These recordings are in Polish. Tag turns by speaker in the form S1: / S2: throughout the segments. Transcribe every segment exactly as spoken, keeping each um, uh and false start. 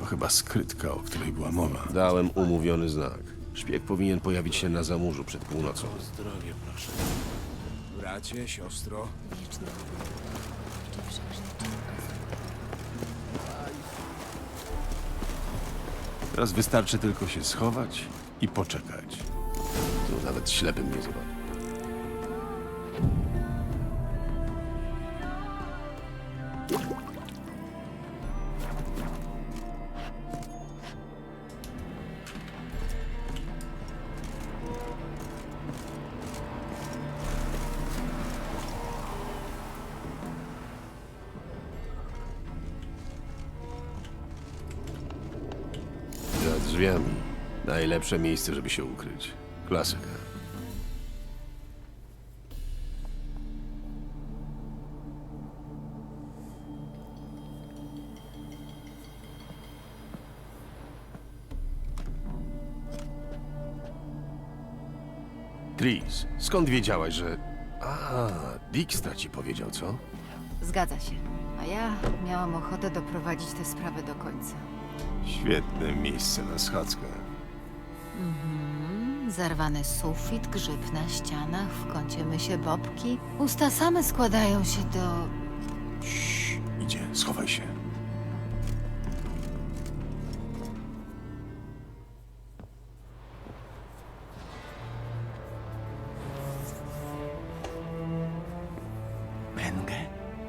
S1: To chyba skrytka, o której była mowa.
S2: Dałem umówiony znak. Szpieg powinien pojawić się na zamurzu przed północą.
S1: Zdrowie, proszę.
S3: Bracie, siostro.
S4: Wieczny czy przeklęty.
S1: Teraz wystarczy tylko się schować i poczekać.
S2: Tu nawet ślepym nie zobaczy. Za drzwiami. Najlepsze miejsce, żeby się ukryć. Klasyka. Tris, skąd wiedziałaś, że... A, Dijkstra ci powiedział, co?
S4: Zgadza się. A ja miałam ochotę doprowadzić tę sprawę do końca.
S1: Świetne miejsce na schadzkę.
S4: Zerwany sufit, grzyb na ścianach, w kącie mysie bobki. Usta same składają się do...
S1: Cii, idzie, schowaj się.
S3: Mengę?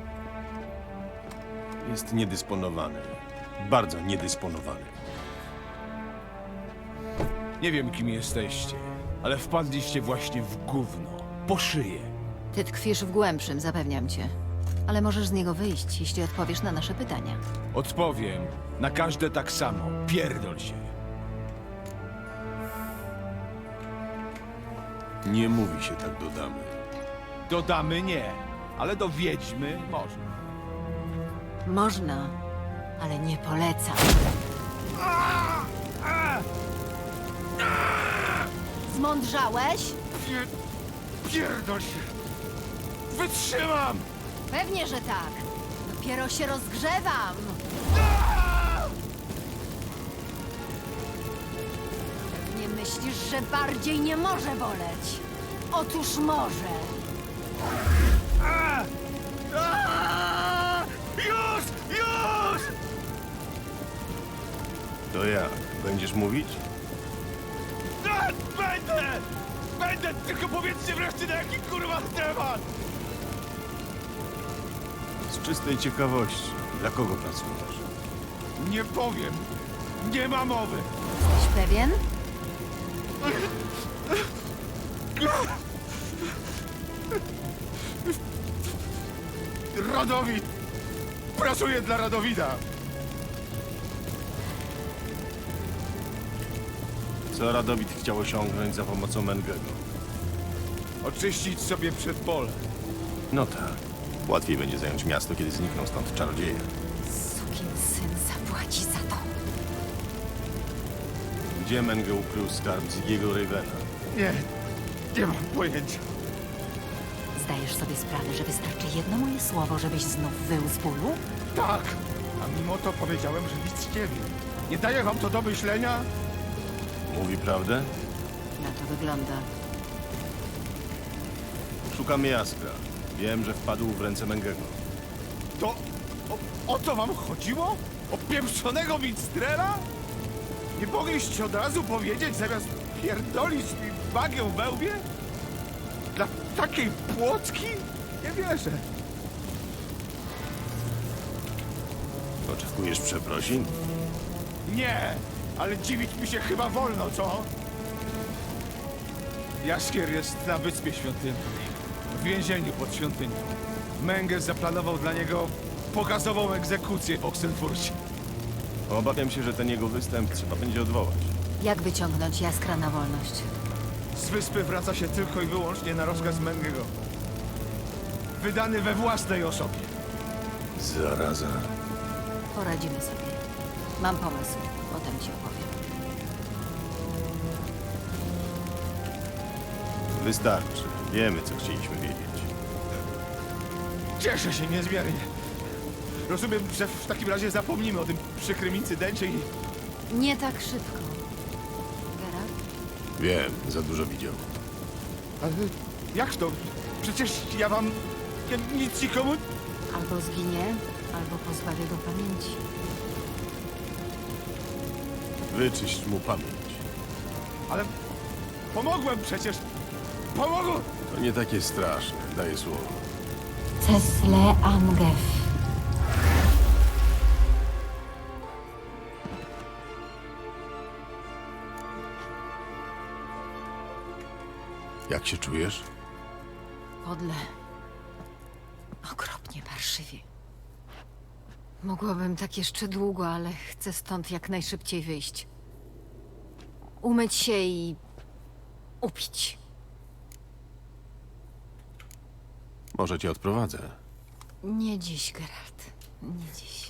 S1: Jest niedysponowany. Bardzo niedysponowany.
S3: Nie wiem, kim jesteście, ale wpadliście właśnie w gówno. Po szyję.
S4: Ty tkwisz w głębszym, zapewniam cię. Ale możesz z niego wyjść, jeśli odpowiesz na nasze pytania.
S3: Odpowiem na każde tak samo. Pierdol się.
S1: Nie mówi się tak do damy.
S3: Do damy nie, ale do wiedźmy można.
S4: Można, ale nie polecam. Zmądrzałeś?
S3: Pierdol się. Wytrzymam!
S4: Pewnie, że tak. Dopiero się rozgrzewam. Pewnie myślisz, że bardziej nie może boleć. Otóż może.
S3: Już! Już!
S1: To jak? Będziesz mówić?
S3: Tak, będę! Będę! Tylko powiedzcie wreszcie na jaki kurwa temat!
S1: Z czystej ciekawości. Dla kogo pracujesz?
S3: Nie powiem! Nie ma mowy!
S4: Jesteś pewien?
S3: Radowid! Pracuję dla Radowida!
S1: Co Radowid chciał osiągnąć za pomocą Mengego?
S3: Oczyścić sobie przedpole.
S1: No tak. Łatwiej będzie zająć miasto, kiedy znikną stąd czarodzieje.
S4: Sukin syn zapłaci za to.
S1: Gdzie Menge ukrył skarb Ziggiego Ravena?
S3: Nie, nie mam pojęcia.
S4: Zdajesz sobie sprawę, że wystarczy jedno moje słowo, żebyś znów wył z bólu?
S3: Tak, a mimo to powiedziałem, że nic nie wiem. Nie daje wam to do myślenia?
S1: Mówi prawdę?
S4: Na to wygląda.
S1: Szukamy Jaskra. Wiem, że wpadł w ręce Mengego.
S3: To o, o to wam chodziło? O pieprzonego Minstrela? Nie mogliście od razu powiedzieć, zamiast pierdolić mi bagę w łbie? Dla takiej płotki? Nie wierzę.
S1: Oczekujesz przeprosin?
S3: Nie, ale dziwić mi się chyba wolno, co? Jaskier jest na Wyspie Świątynnej, w więzieniu pod świątynią. Menge zaplanował dla niego pokazową egzekucję w Oxenfurcie.
S1: Obawiam się, że ten jego występ trzeba będzie odwołać.
S4: Jak wyciągnąć Jaskra na wolność?
S3: Z wyspy wraca się tylko i wyłącznie na rozkaz Mengego. Wydany we własnej osobie.
S1: Zaraza.
S4: Poradzimy sobie. Mam pomysł. Potem ci opowiem.
S1: Wystarczy. Wiemy, co chcieliśmy wiedzieć.
S3: Cieszę się niezmiernie. Rozumiem, że w takim razie zapomnimy o tym przykrym incydencie i...
S4: Nie tak szybko. Geralt?
S2: Wiem, za dużo widział.
S3: Ale jak to? Przecież ja wam... Ja nic nikomu...
S4: Albo zginie, albo pozbawię go pamięci.
S2: Wyczyść mu pamięć.
S3: Ale pomogłem przecież! Pomogłem!
S2: To nie takie straszne, daję słowo.
S4: Cesle Angef.
S2: Jak się czujesz?
S4: Podle. Okropnie parszywie. Mogłabym tak jeszcze długo, ale chcę stąd jak najszybciej wyjść. Umyć się i... upić.
S2: Może cię odprowadzę.
S4: Nie dziś, Geralt. Nie dziś.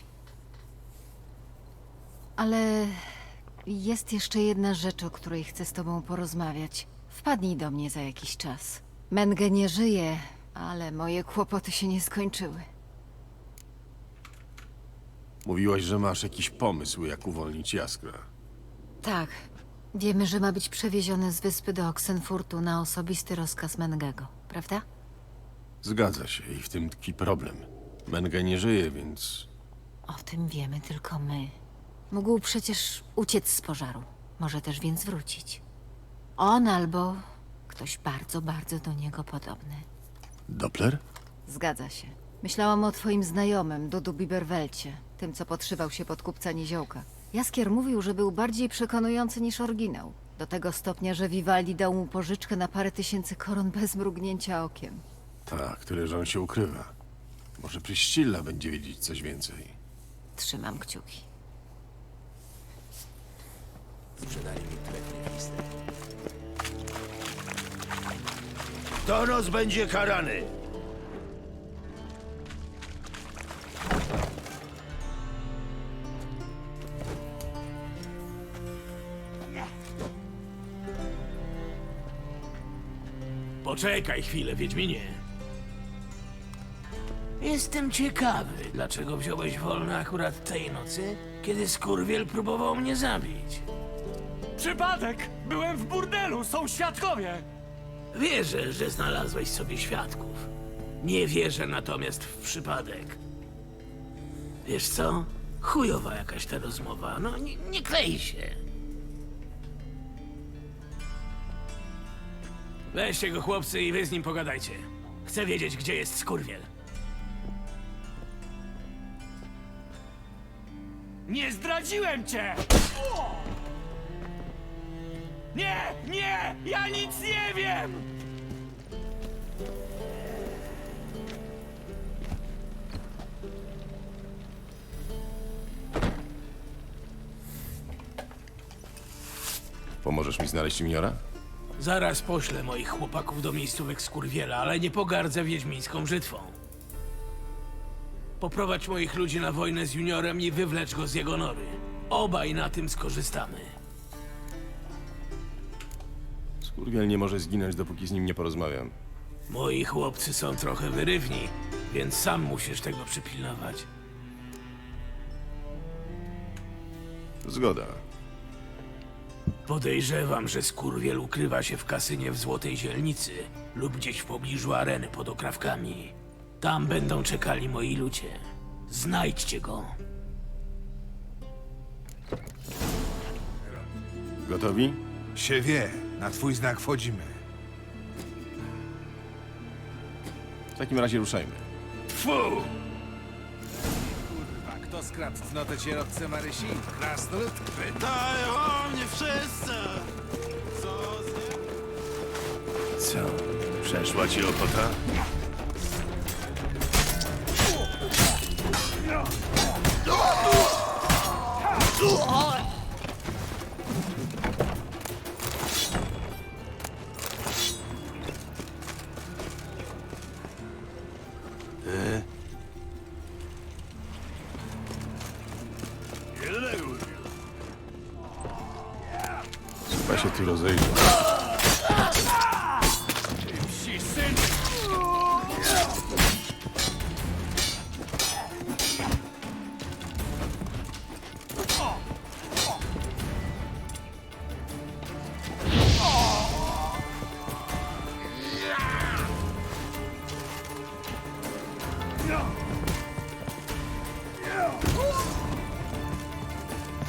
S4: Ale jest jeszcze jedna rzecz, o której chcę z tobą porozmawiać. Wpadnij do mnie za jakiś czas. Menge nie żyje, ale moje kłopoty się nie skończyły.
S2: Mówiłaś, że masz jakiś pomysł, jak uwolnić Jaskra.
S4: Tak. Wiemy, że ma być przewieziony z wyspy do Oxenfurtu na osobisty rozkaz Mengego, prawda?
S2: Zgadza się i w tym tkwi problem. Menge nie żyje, więc
S4: O tym wiemy tylko my. Mógł przecież uciec z pożaru. Może też więc wrócić. On albo ktoś bardzo, bardzo do niego podobny.
S2: Doppler?
S4: Zgadza się. Myślałam o twoim znajomym, Dudu Biberwelcie, tym, co podszywał się pod kupca Niziołka. Jaskier mówił, że był bardziej przekonujący niż oryginał. Do tego stopnia, że Vivaldi dał mu pożyczkę na parę tysięcy koron bez mrugnięcia okiem.
S2: Tak, tyle, że on się ukrywa. Może Priscilla będzie wiedzieć coś więcej.
S4: Trzymam kciuki.
S5: Toros będzie karany.
S6: Poczekaj chwilę, Wiedźminie. Jestem ciekawy, dlaczego wziąłeś wolne akurat tej nocy, kiedy skurwiel próbował mnie zabić.
S7: Przypadek! Byłem w burdelu, są świadkowie!
S6: Wierzę, że znalazłeś sobie świadków. Nie wierzę natomiast w przypadek. Wiesz co? Chujowa jakaś ta rozmowa. No, nie, nie klei się. Weźcie go, chłopcy, i wy z nim pogadajcie. Chcę wiedzieć, gdzie jest skurwiel.
S7: Nie zdradziłem cię! Nie, nie! Ja nic nie wiem!
S2: Pomożesz mi znaleźć Juniora?
S6: Zaraz poślę moich chłopaków do miejscówek skurwiela, ale nie pogardzę wiedźmińską brzytwą. Poprowadź moich ludzi na wojnę z Juniorem i wywlecz go z jego nory. Obaj na tym skorzystamy.
S2: Skurwiel nie może zginąć, dopóki z nim nie porozmawiam.
S6: Moi chłopcy są trochę wyrywni, więc sam musisz tego przypilnować.
S2: Zgoda.
S6: Podejrzewam, że skurwiel ukrywa się w kasynie w Złotej Zielnicy lub gdzieś w pobliżu areny pod Okrawkami. Tam będą czekali moi ludzie. Znajdźcie go.
S2: Gotowi?
S3: Się wie, na twój znak wchodzimy.
S2: W takim razie ruszajmy.
S6: Tfu!
S3: Kurwa, kto skradł cnotę cierotce Marysi? Krasnolud?
S1: Pytają o mnie wszyscy! Co z nim?
S2: Co? Przeszła ci ochota? Chyba się tu rozejdzie.
S7: Psi syn!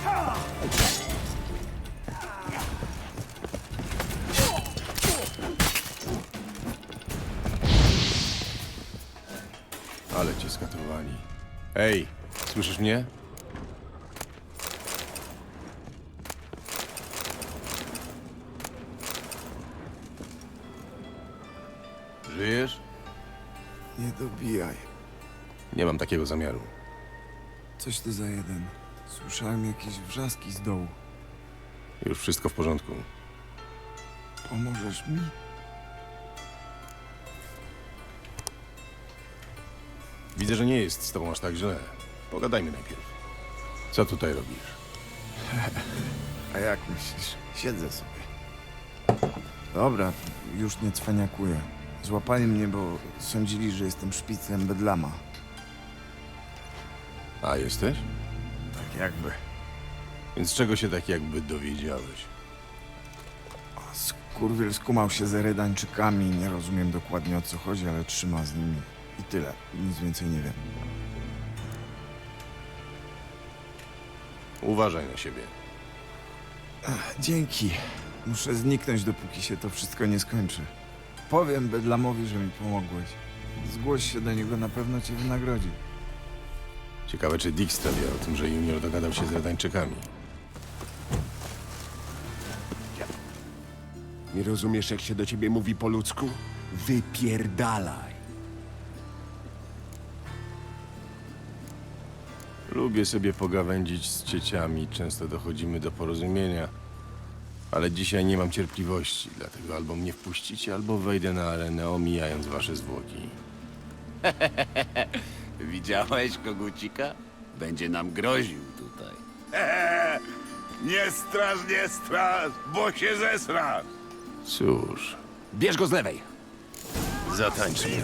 S2: Ale cię skatowali. Ej, słyszysz mnie? Żyjesz?
S5: Nie dobijaj.
S2: Nie mam takiego zamiaru.
S5: Coś ty za jeden. Słyszałem jakieś wrzaski z dołu.
S2: Już wszystko w porządku.
S5: Pomożesz mi?
S2: Widzę, że nie jest z tobą aż tak źle. Pogadajmy najpierw. Co tutaj robisz?
S5: A jak myślisz? Siedzę sobie. Dobra, już nie cwaniakuję. Złapali mnie, bo sądzili, że jestem szpiclem Bedlama.
S2: A, jesteś?
S5: Tak jakby.
S2: Więc czego się tak jakby dowiedziałeś?
S5: Skurwiel skumał się z Eredańczykami. Nie rozumiem dokładnie, o co chodzi, ale trzyma z nimi. I tyle. Nic więcej nie wiem.
S2: Uważaj na siebie.
S5: Dzięki. Muszę zniknąć, dopóki się to wszystko nie skończy. Powiem Bedlamowi, że mi pomogłeś. Zgłoś się do niego, na pewno cię wynagrodzi.
S2: Ciekawe, czy Dijkstra wie o tym, że Junior dogadał się z Redańczykami.
S8: Nie rozumiesz, jak się do ciebie mówi po ludzku? Wypierdalaj.
S2: Lubię sobie pogawędzić z cieciami, często dochodzimy do porozumienia. Ale dzisiaj nie mam cierpliwości, dlatego albo mnie wpuścicie, albo wejdę na arenę, omijając wasze zwłoki.
S9: Widziałeś kogucika? Będzie nam groził tutaj.
S3: Nie straż, nie straż, bo się zesrasz!
S2: Cóż,
S8: Bierz go z lewej.
S2: zatańczmy.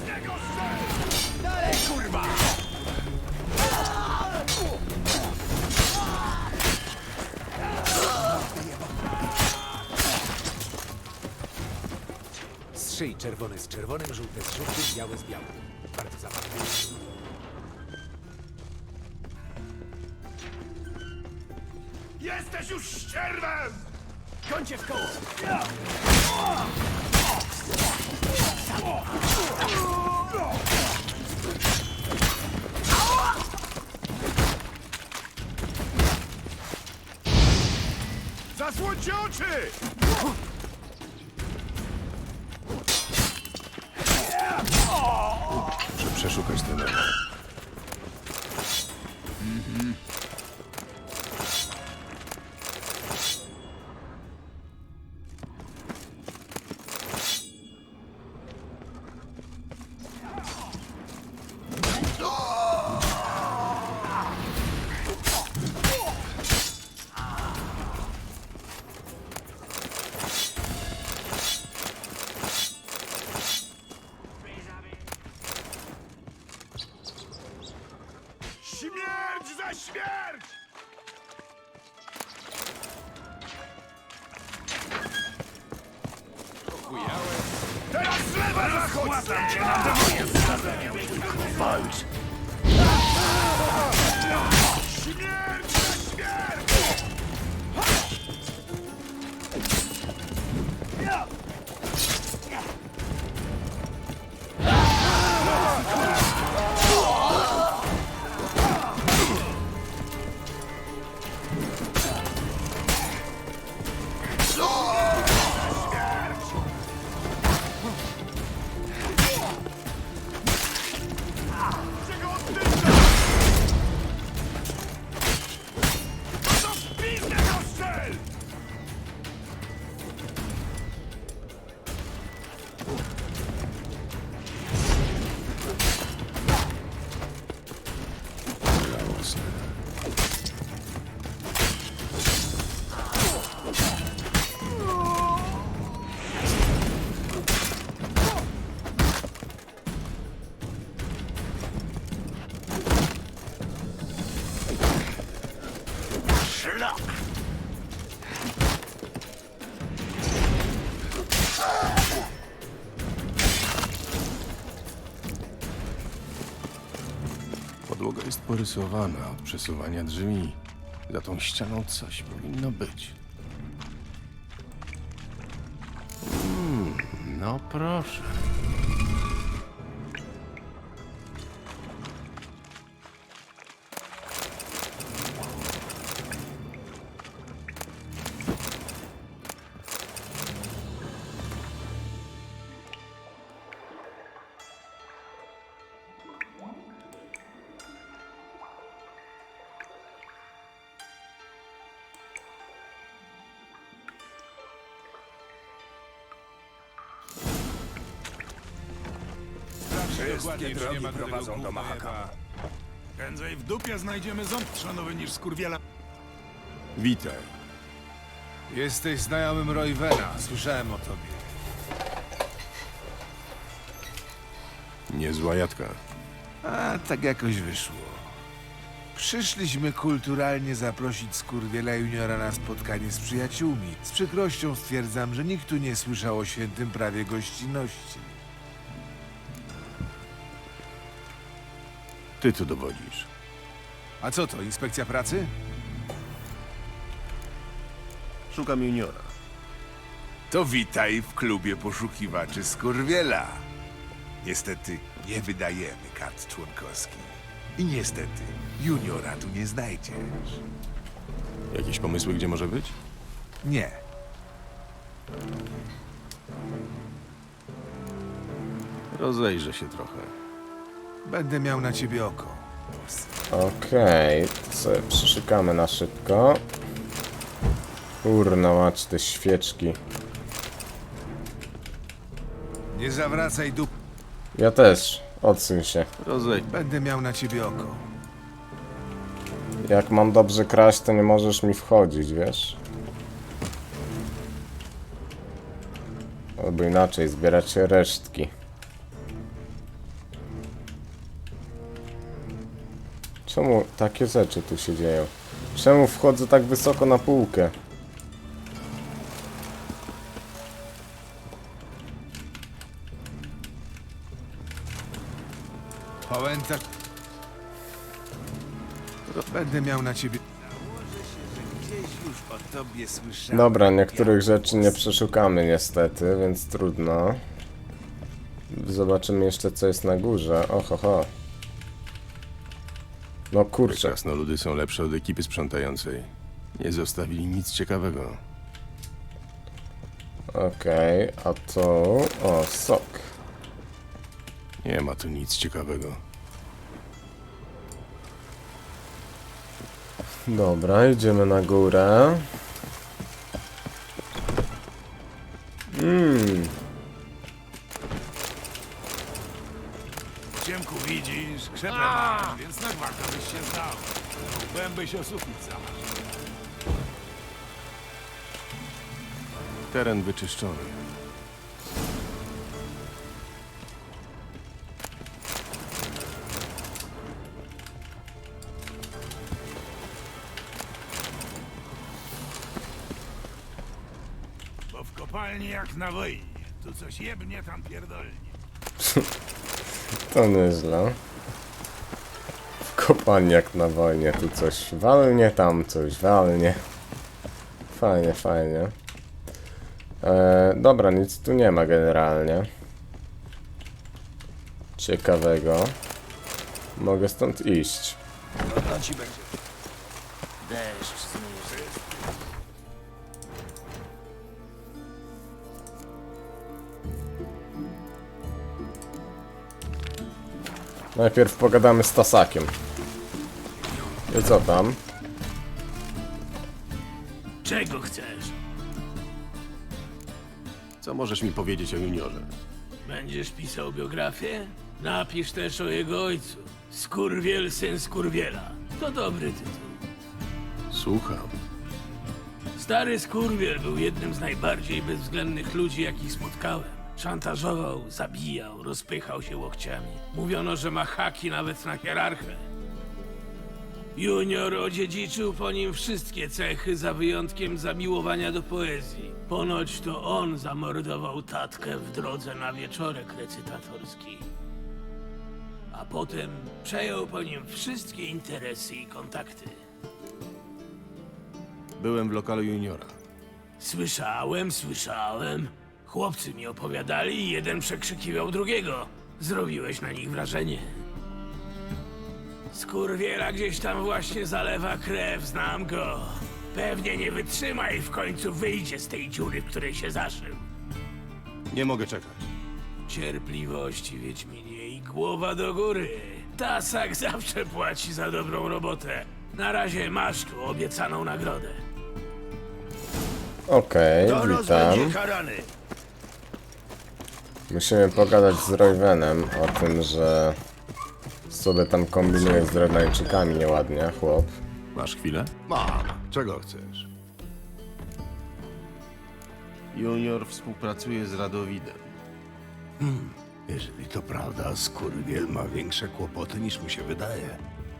S10: Strzyj czerwony z czerwonym, żółte z żółtym, białe z białym. Bardzo zabawne.
S3: Jesteś już ścierwem!
S10: Końcie w koło!
S3: Zasłońcie oczy!
S2: Muszę przeszukać ten dom.
S3: Śmierć za śmierć! Teraz z lewa zachód! Składam cię na demonie! Walcz! Śmierć za śmierć! Czego oddycha? No to w pizdę go strzel! Szlak!
S2: Podłoga jest porysowana od przesuwania drzwi. Za tą ścianą coś powinno być. Mm, no proszę.
S3: Wszystkie drogi prowadzą do Mahakama. Prędzej w dupie znajdziemy ząb trzanowy niż skurwiela.
S2: Witaj.
S3: Jesteś znajomym Roywena. Słyszałem o tobie.
S2: Niezła jadka.
S3: A tak jakoś wyszło. Przyszliśmy kulturalnie zaprosić skurwiela juniora na spotkanie z przyjaciółmi. Z przykrością stwierdzam, że nikt tu nie słyszał o świętym prawie gościnności.
S2: Ty tu dowodzisz.
S3: A co to, inspekcja pracy?
S1: Szukam juniora.
S3: To witaj w klubie poszukiwaczy skurwiela. Niestety nie wydajemy kart członkowskich. I niestety juniora tu nie znajdziesz.
S2: Jakieś pomysły, gdzie może być?
S3: Nie.
S2: Rozejrzę się trochę.
S3: Będę miał na ciebie oko.
S11: Okej, to sobie przyszykamy na szybko. Kurna mać, te świeczki.
S3: Nie zawracaj dup.
S11: Ja też, odsuń się.
S2: Rozej...
S3: Będę miał na ciebie oko.
S11: Jak mam dobrze kraść, to nie możesz mi wchodzić, wiesz? Albo inaczej, zbierać resztki. Czemu takie rzeczy tu się dzieją? Czemu wchodzę tak wysoko na półkę?
S3: Pamiętasz? Będę miał na ciebie. Gdzieś już o tobie słyszałem.
S11: Dobra, niektórych rzeczy nie przeszukamy niestety, więc trudno. Zobaczymy jeszcze, co jest na górze. Oho, ho. No kurczę.
S2: Krasnoludy są lepsze od ekipy sprzątającej. Nie zostawili nic ciekawego.
S11: Okej, a to... O, sok.
S2: Nie ma tu nic ciekawego.
S11: Dobra, idziemy na górę. Mmm,
S3: W ciemku widzisz, krzepę masz, więc na gwarka byś się zdał. Łbem się o sufit zamarł.
S2: Teren wyczyszczony.
S3: Bo w kopalni jak na wojnie. Tu coś jebnie, tam pierdolnie.
S11: to nieźle. W kopalni jak na wojnie, tu coś walnie, tam coś walnie. Fajnie, fajnie. E, dobra, nic tu nie ma generalnie. Ciekawego. Mogę stąd iść.
S3: Trudno ci będzie.
S6: Deszcz zmyży.
S11: Najpierw pogadamy z Tasakiem. I co tam?
S6: Czego chcesz?
S2: Co możesz mi powiedzieć o juniorze?
S6: Będziesz pisał biografię? Napisz też o jego ojcu. Skurwiel, syn Skurwiela. To dobry tytuł.
S2: Słucham.
S6: Stary Skurwiel był jednym z najbardziej bezwzględnych ludzi, jakich spotkałem. Szantażował, zabijał, rozpychał się łokciami. Mówiono, że ma haki nawet na hierarchę. Junior odziedziczył po nim wszystkie cechy, za wyjątkiem zamiłowania do poezji. Ponoć to on zamordował tatkę w drodze na wieczorek recytatorski. A potem przejął po nim wszystkie interesy i kontakty.
S2: Byłem w lokalu juniora.
S6: Słyszałem, słyszałem. Chłopcy mi opowiadali i jeden przekrzykiwał drugiego. Zrobiłeś na nich wrażenie. Skurwiela gdzieś tam właśnie zalewa krew, znam go. Pewnie nie wytrzyma i w końcu wyjdzie z tej dziury, w której się zaszył.
S2: Nie mogę czekać.
S6: Cierpliwości, Wiedźminie, i głowa do góry. Tasak zawsze płaci za dobrą robotę. Na razie masz tu obiecaną nagrodę.
S11: Okej, witam. Musimy pogadać z Royvenem o tym, że sobie tam kombinuje z Dreadnightczykami nieładnie, chłop.
S1: Masz chwilę?
S2: Mam. Czego chcesz? Junior współpracuje z Radowidem.
S3: Jeżeli to prawda, skurwiel ma większe kłopoty niż mu się wydaje.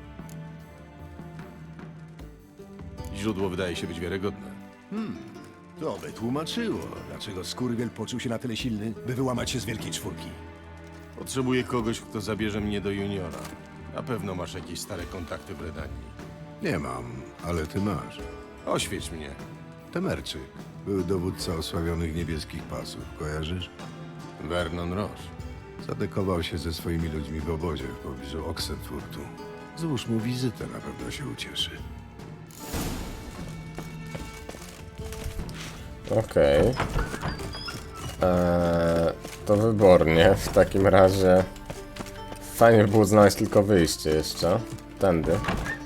S2: Źródło wydaje się być wiarygodne.
S3: To by tłumaczyło, dlaczego skurwiel poczuł się na tyle silny, by wyłamać się z wielkiej czwórki.
S2: Potrzebuję kogoś, kto zabierze mnie do juniora. Na pewno masz jakieś stare kontakty w Redanii.
S12: Nie mam, ale ty masz.
S2: Oświeć mnie.
S12: Temerczyk był dowódca osławionych niebieskich pasów, kojarzysz?
S2: Vernon Roche.
S12: Zadekował się ze swoimi ludźmi w obozie w pobliżu Oxenfurtu. Złóż mu wizytę, na pewno się ucieszy.
S11: Okej. Eee, to wybornie. W takim razie fajnie by było znaleźć tylko wyjście jeszcze. Tędy.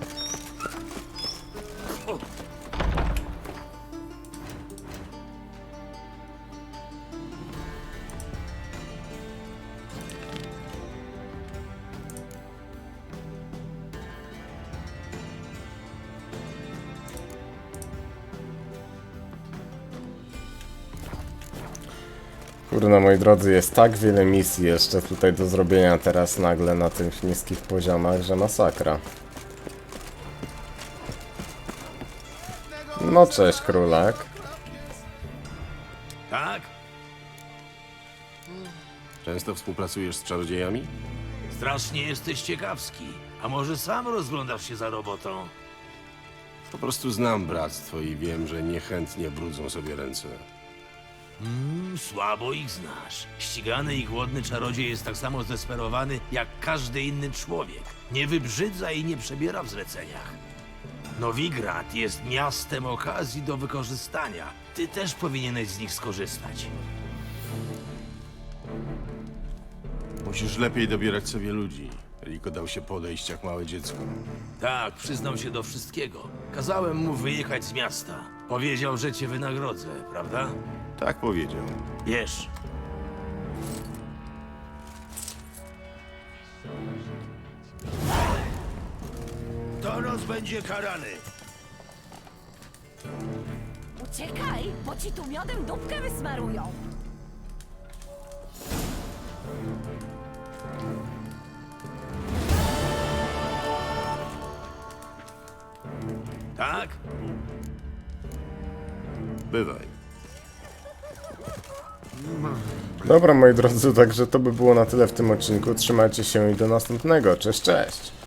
S11: Kurna, moi drodzy, jest tak wiele misji jeszcze tutaj do zrobienia teraz nagle na tych niskich poziomach, że masakra. No cześć, królak.
S6: Tak?
S2: Często współpracujesz z czarodziejami?
S6: Strasznie jesteś ciekawski. A może sam rozglądasz się za robotą?
S2: Po prostu znam bractwo i wiem, że niechętnie brudzą sobie ręce.
S6: Mm, słabo ich znasz. Ścigany i głodny czarodziej jest tak samo zdesperowany jak każdy inny człowiek. Nie wybrzydza i nie przebiera w zleceniach. Nowigrad jest miastem okazji do wykorzystania. Ty też powinieneś z nich skorzystać.
S2: Musisz lepiej dobierać sobie ludzi. Rico dał się podejść jak małe dziecko.
S6: Tak, przyznał się do wszystkiego. Kazałem mu wyjechać z miasta. Powiedział, że cię wynagrodzę, prawda?
S2: Tak powiedział.
S6: Wiesz.
S3: Toros będzie karany.
S13: Uciekaj, bo ci tu miodem dupkę wysmarują.
S6: Tak?
S2: Bywaj.
S11: Dobra, moi drodzy, także to by było na tyle w tym odcinku. Trzymajcie się i do następnego. Cześć, cześć!